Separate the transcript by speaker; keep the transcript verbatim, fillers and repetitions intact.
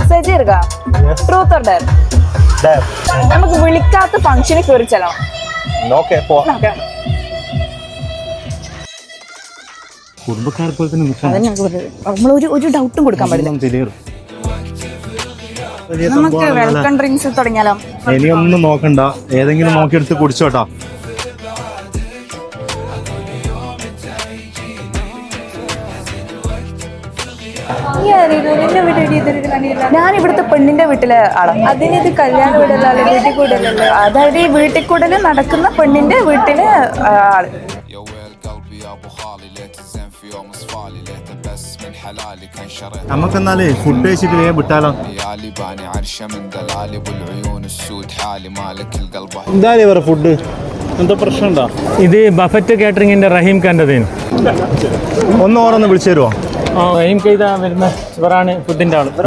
Speaker 1: Message ഇറുക truth or dare നമുക്ക് വിളിക്കാത്ത ഫംഗ്ഷന് കയറി ചെല്ലണം.
Speaker 2: കുടുംബക്കാർക്ക് പോലെ തന്നെ
Speaker 1: നമ്മൾ ഒരു ഒരു ഡൗട്ടും കൊടുക്കാൻ പാടില്ല. നമുക്ക് വെൽക്കം ഡ്രിങ്ക്സ് തുടങ്ങിയാലോ?
Speaker 2: ഇനിയൊന്നും നോക്കണ്ട, ഏതെങ്കിലും നോക്കിയെടുത്ത് കുടിച്ചോട്ടാ.
Speaker 1: ഞാൻ ഇവിടുത്തെ പെണ്ണിന്റെ വീട്ടിലെ ആളാണ്. അതിനിത് കല്യാണ വീടല്ല, വീട്ടിൽ കൂടലല്ലോ. അതായത് ഈ വീട്ടിൽ കൂടല് നടക്കുന്ന പെണ്ണിന്റെ വീട്ടിലെ ആള്.
Speaker 2: നമുക്കെന്നാലേ ഫുഡ് കഴിച്ചിട്ട് വേഗം വിട്ടാലോ? എന്തായാലും ഇവരെ ഫുഡ് എന്താ പ്രശ്നം ഉണ്ടോ?
Speaker 3: ഇത് ബഫറ്റ് കാറ്ററിംഗിന്റെ റഹീം ഖാൻ്റെതേനു.
Speaker 2: ഒന്ന് ഓരോന്ന് വിളിച്ചു തരുമോ?
Speaker 3: റഹീം ഖൈദ വരുന്ന ഇവരാണ് ഫുഡിന്റെ ആള്.